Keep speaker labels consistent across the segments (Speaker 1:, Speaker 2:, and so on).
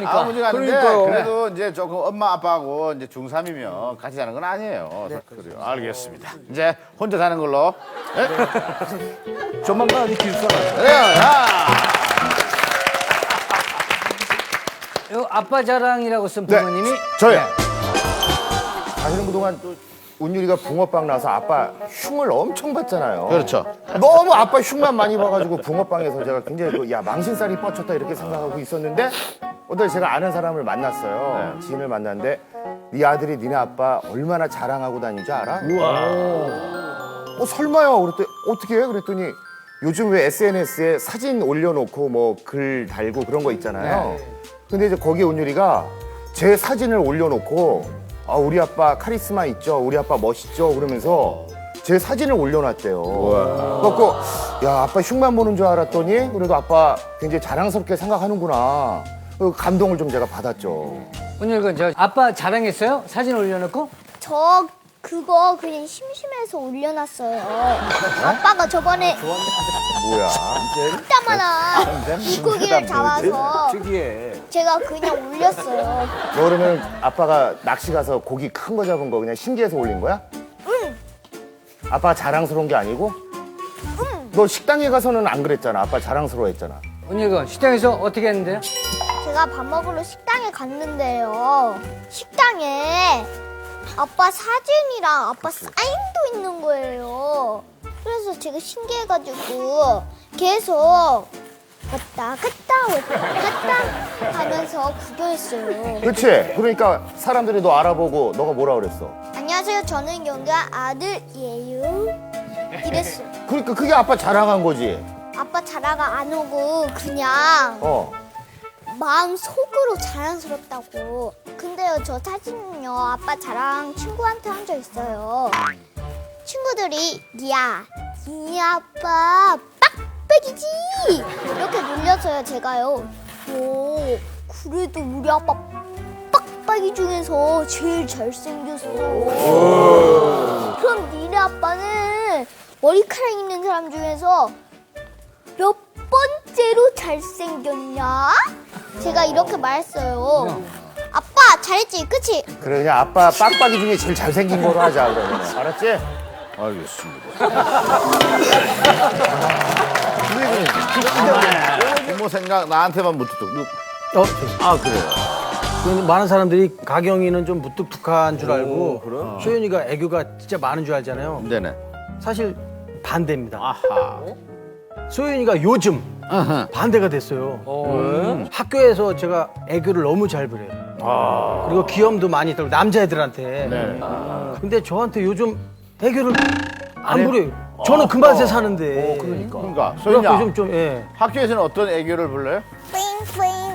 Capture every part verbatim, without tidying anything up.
Speaker 1: 아무 문제가 아닌데
Speaker 2: 그러니까요.
Speaker 1: 그래도 이제 조금 엄마 아빠하고 이제 중삼이면 같이 자는 건 아니에요.
Speaker 2: 네.
Speaker 1: 그래요. 알겠습니다. 이제 혼자 사는 걸로. 네?
Speaker 2: 조만간 어디 기숙사 가요.
Speaker 1: 그래요. 자.
Speaker 3: 요 아빠 자랑이라고 쓴 부모님이
Speaker 1: 저요.
Speaker 4: 사실은 그동안 또 운율이가 붕어빵 나서 아빠 흉을 엄청 봤잖아요.
Speaker 1: 그렇죠.
Speaker 4: 너무 아빠 흉만 많이 봐가지고 붕어빵에서 제가 굉장히 그, 야 망신살이 뻗쳤다 이렇게 생각하고 있었는데 어떤 제가 아는 사람을 만났어요.
Speaker 1: 네.
Speaker 4: 지인을 만났는데 네 아들이 니네 아빠 얼마나 자랑하고 다니는지 알아? 어 설마요. 그랬더니 어떻게 해? 그랬더니 요즘 왜 에스엔에스에 사진 올려놓고 뭐 글 달고 그런 거 있잖아요. 근데 이제 거기에 운율이가 제 사진을 올려놓고 아 우리 아빠 카리스마 있죠, 우리 아빠 멋있죠 그러면서 제 사진을 올려놨대요. 그래갖고 야 아빠 흉만 보는 줄 알았더니 그래도 아빠 굉장히 자랑스럽게 생각하는구나. 그 감동을 좀 제가 받았죠.
Speaker 3: 오늘 그저 아빠 자랑했어요? 사진 올려놓고?
Speaker 5: 저 그거 그냥 심심해서 올려놨어요. 아빠가 저번에
Speaker 4: 뭐야?
Speaker 5: 이따만한 물고기를 잡아서
Speaker 2: 특이해.
Speaker 5: 제가 그냥 올렸어요.
Speaker 4: 너 그러면 아빠가 낚시 가서 고기 큰 거 잡은 거 그냥 신기해서 올린 거야?
Speaker 5: 응.
Speaker 4: 아빠가 자랑스러운 게 아니고?
Speaker 5: 응.
Speaker 4: 너 식당에 가서는 안 그랬잖아. 아빠 자랑스러워했잖아.
Speaker 3: 오늘 그 식당에서 어떻게 했는데요?
Speaker 5: 제가 밥 먹으러 식당에 갔는데요. 식당에 아빠 사진이랑 아빠 사인도 있는 거예요. 그래서 제가 신기해가지고 계속 왔다 갔다 왔다 갔다 하면서 구경했어요.
Speaker 4: 그치? 그러니까 사람들이 너 알아보고 너가 뭐라 그랬어?
Speaker 5: 안녕하세요. 저는 영가 아들이에요. 이랬어요.
Speaker 4: 그러니까 그게 아빠 자랑한 거지.
Speaker 5: 아빠 자라가 안 오고 그냥
Speaker 4: 어.
Speaker 5: 마음 속으로 자랑스럽다고. 근데요, 저 사진은요, 아빠 자랑 친구한테 한 적 있어요. 친구들이, 야, 이 아빠 빡빡이지! 이렇게 놀려서요, 제가요. 오, 그래도 우리 아빠 빡빡이 중에서 제일 잘생겼어. 그럼 니네 아빠는 머리카락 있는 사람 중에서 몇 번째로 잘생겼냐? 제가 이렇게 말했어요. 아빠 잘했지, 그치?
Speaker 4: 그래 그냥 아빠 빡빡이 중에 제일 잘생긴 거로 하자 그러면. 알았지?
Speaker 1: 알겠습니다. 부모 생각 나한테만 묻듯.
Speaker 2: 어,
Speaker 1: 아 그래요.
Speaker 2: 그 많은 사람들이 가경이는 좀 무뚝뚝한 줄 알고 소연이가 애교가 진짜 많은 줄 알잖아요.
Speaker 1: 네네.
Speaker 2: 사실 반대입니다.
Speaker 1: 아하.
Speaker 2: 소연이가 요즘
Speaker 1: 아하.
Speaker 2: 반대가 됐어요. 음. 학교에서 제가 애교를 너무 잘 부려요. 그리고 귀염도 많이 들고 남자애들한테.
Speaker 1: 네.
Speaker 2: 근데 저한테 요즘 애교를 안 부려요. 저는 그 맛에 사는데.
Speaker 4: 그러니까.
Speaker 1: 그러니까
Speaker 2: 그래갖고
Speaker 1: 소연아
Speaker 2: 좀, 좀, 예.
Speaker 1: 학교에서는 어떤 애교를 불러요?
Speaker 5: 뿌잉뿌잉.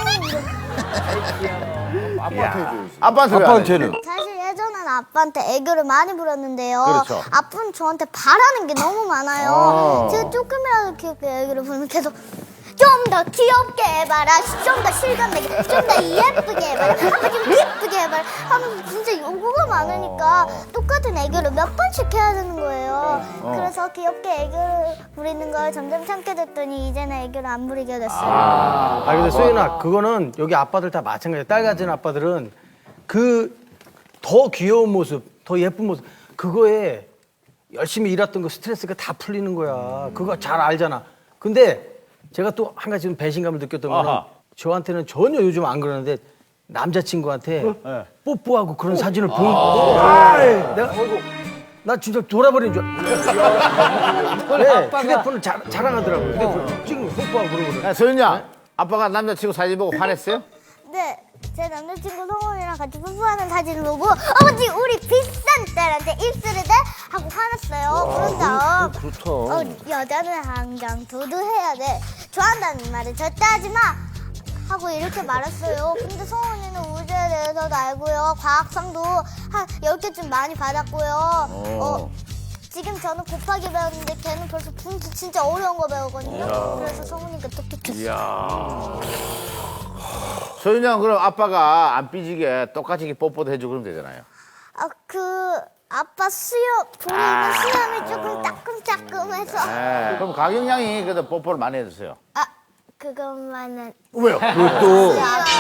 Speaker 4: 아빠한테 해줘야지.
Speaker 1: 아빠한테 왜 안 해?
Speaker 2: 아빠한테는.
Speaker 5: 사실 예전에는 아빠한테 애교를 많이 부렸는데요.
Speaker 1: 그렇죠.
Speaker 5: 아빠는 저한테 바라는 게 너무 많아요.
Speaker 1: 어.
Speaker 5: 제가 조금이라도 귀엽게 애교를 부르면 계속 좀 더 귀엽게 해봐라, 좀 더 실감나게, 좀 더 예쁘게 해봐라, 아빠 좀 예쁘게 해봐라 하면서 진짜 요구가 많으니까 똑같은 애교를 몇 번씩 해야 되는 거예요. 그래서 귀엽게 애교를 부리는 걸 점점 참게 됐더니 이제는 애교를 안 부리게 됐어요.
Speaker 2: 아, 근데 소연아, 그거는 여기 아빠들 다 마찬가지야. 딸 가진 아빠들은 그 더 귀여운 모습, 더 예쁜 모습, 그거에 열심히 일했던 거 스트레스가 다 풀리는 거야. 그거 잘 알잖아. 근데 제가 또 한 가지 좀 배신감을 느꼈던 거는
Speaker 1: 아하.
Speaker 2: 저한테는 전혀 요즘 안 그러는데 남자친구한테
Speaker 1: 네.
Speaker 2: 뽀뽀하고 그런 사진을 보고 아이, 내가 나 진짜 돌아버린 줄 알았어. 네, 휴대폰을 자, 자랑하더라고요. 휴대폰 지금 뽀뽀하고 그러고 그래.
Speaker 1: 야, 소연아, 아빠가 남자친구 사진 보고 화냈어요?
Speaker 5: 네, 제 남자친구 성원이랑 같이 뽀뽀하는 사진을 보고 아버지 우리 비싼 딸한테 입술을 대 하고 화났어요. 그런 다음
Speaker 2: 좋다.
Speaker 5: 어, 여자는 항상 도도해야 돼. 좋아한다는 말을 절대 하지 마. 하고 이렇게 말했어요. 근데 성원이는 우주에 대해서도 알고요. 과학상도 한 열 개쯤 많이 받았고요. 어, 지금 저는 곱하기 배웠는데 걔는 벌써 분수 진짜 어려운 거 배우거든요. 그래서 성훈이가 똑똑했어요.
Speaker 1: 소연아, 그럼 아빠가 안 삐지게 똑같이 이렇게 뽀뽀도 해주고 그러면 되잖아요.
Speaker 5: 아, 그 아빠 수염 보이는 수염이 조금 따끔따끔해서
Speaker 1: 네. 그럼 가경 양이 그래도 뽀뽀를 많이 해주세요.
Speaker 5: 아 그것만은
Speaker 1: 왜요?
Speaker 2: 또
Speaker 5: 아빠